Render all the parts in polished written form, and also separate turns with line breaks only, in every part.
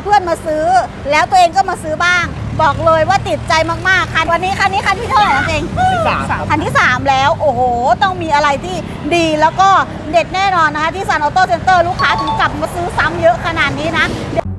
เพื่อนมาซื้อแล้วตัวเองก็มาซื้อบ้างบอกเลยว่าติดใจมากๆคันวันนี้คันที่เท่าไหร่นะเองคันที่ 3แล้วโอ้โหต้องมีอะไรที่ดีแล้วก็เด็ดแน่นอนนะคะที่ซันออโต้เซ็นเตอร์ลูกค้าถึงกลับมาซื้อซ้ำเยอะขนาดนี้นะ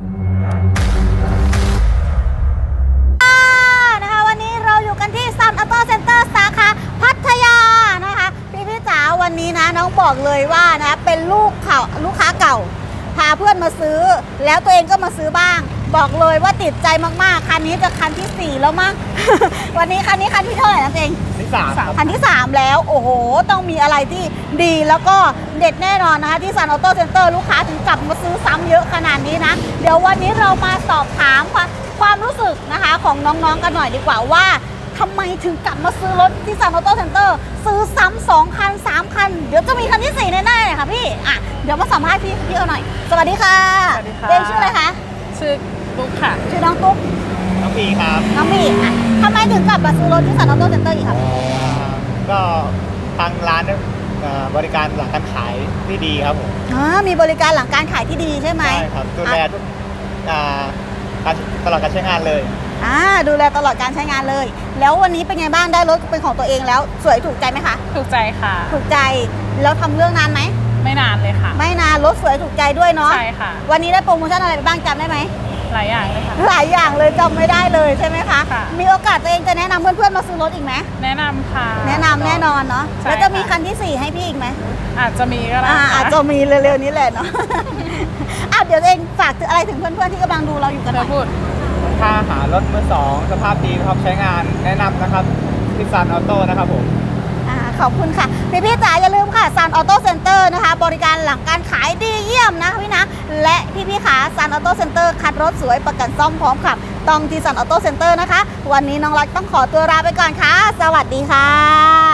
นะคะวันนี้เราอยู่กันที่ซันออโต้เซ็นเตอร์สาขาพัทยานะคะพี่จ๋าวันนี้นะน้องบอกเลยว่านะเป็นลูกค้าเก่าพาเพื่อนมาซื้อแล้วตัวเองก็มาซื้อบ้างบอกเลยว่าติดใจมากๆคันนี้จะคันที่4แล้วมั้ง วันนี้คันที่เท่าไหร่นะเองคันที่ 3แล้วโอ้โหต้องมีอะไรที่ดีแล้วก็เด็ดแน่นอนนะคะที่ซันออโต้เซ็นเตอร์ลูกค้าถึงกลับมาซื้อซ้ำเยอะขนาดนี้นะเดี๋ยววันนี้เรามาสอบถามความรู้สึกนะคะของน้องๆกันหน่อยดีกว่าว่าทำไมถึงกลับมาซื้อรถที่ซันออโต้เซ็นเตอร์ซื้อซ้ำ2 คัน 3 คันเดี๋ยวจะมีคันที่4แน่ๆเลยค่ะพี่เดี๋ยวมาสัมภาษณ์พี่เอาหน่อยสวัสดีค่ะเองชื่ออะไรคะ
ชื่อตุ๊กค่ะ
ชื่อน้องตุ๊ก
น้องปีครับ
น้องปีทำไมถึงกลับมาซื้อรถที่ซันออโต้เซ็นเตอร์อีกครับ
ก็ทางร้านบริการหลังการขายที่ดีครับผม
มีบริการหลังการขายที่ดีใช่ไหม
ใช่ครับดูแลทุกตลอดการใช้งานเลย
ดูแลตลอดการใช้งานเลยแล้ววันนี้เป็นไงบ้างได้รถเป็นของตัวเองแล้วสวยถูกใจไหมคะ
ถูกใจค่ะ
ถูกใจแล้วทำเรื่องนานไหม
ไม่นานเลยค่ะ
ไม่นานรถสวยถูกใจด้วยเนาะ
ใช่ค่ะ
วันนี้ได้โปรโมชั่นอะไรไปบ้างจำได้ไหม
หลายอย่างเลยค่ะ
หลายอย่างเลยจำไม่ได้เลยใช่ไหมคะมีโอกาสตัวเองจะแนะนำเพื่อนๆมาซื้อรถอีกไหม
แนะนำค่ะ
แนะนำแน่นอนเนาะแล้วจะมีคันที่4ให้พี่อีกไหม
อาจจะมีก็ได้
อาจจะมีเร็วๆนี้แหละเนาะเดี๋ยวเองฝากอะไรถึงเพื่อนๆที่กำลังดูเราอยู่กันหน่อย
ถ้าหารถมือ2สภาพดีพร้อมใช้งานแนะนำนะครับที่ซันออโต้นะครับผม
ขอบคุณค่ะพี่จ๋าอย่าลืมค่ะซันออโต้เซ็นเตอร์นะคะบริการหลังการขายดีเยี่ยมนะพี่นะและพี่ขาซันออโต้เซ็นเตอร์คัดรถสวยประกันซ่อมพร้อมขับต้องที่ซันออโต้เซ็นเตอร์นะคะวันนี้น้องรักต้องขอตัวลาไปก่อนค่ะสวัสดีค่ะ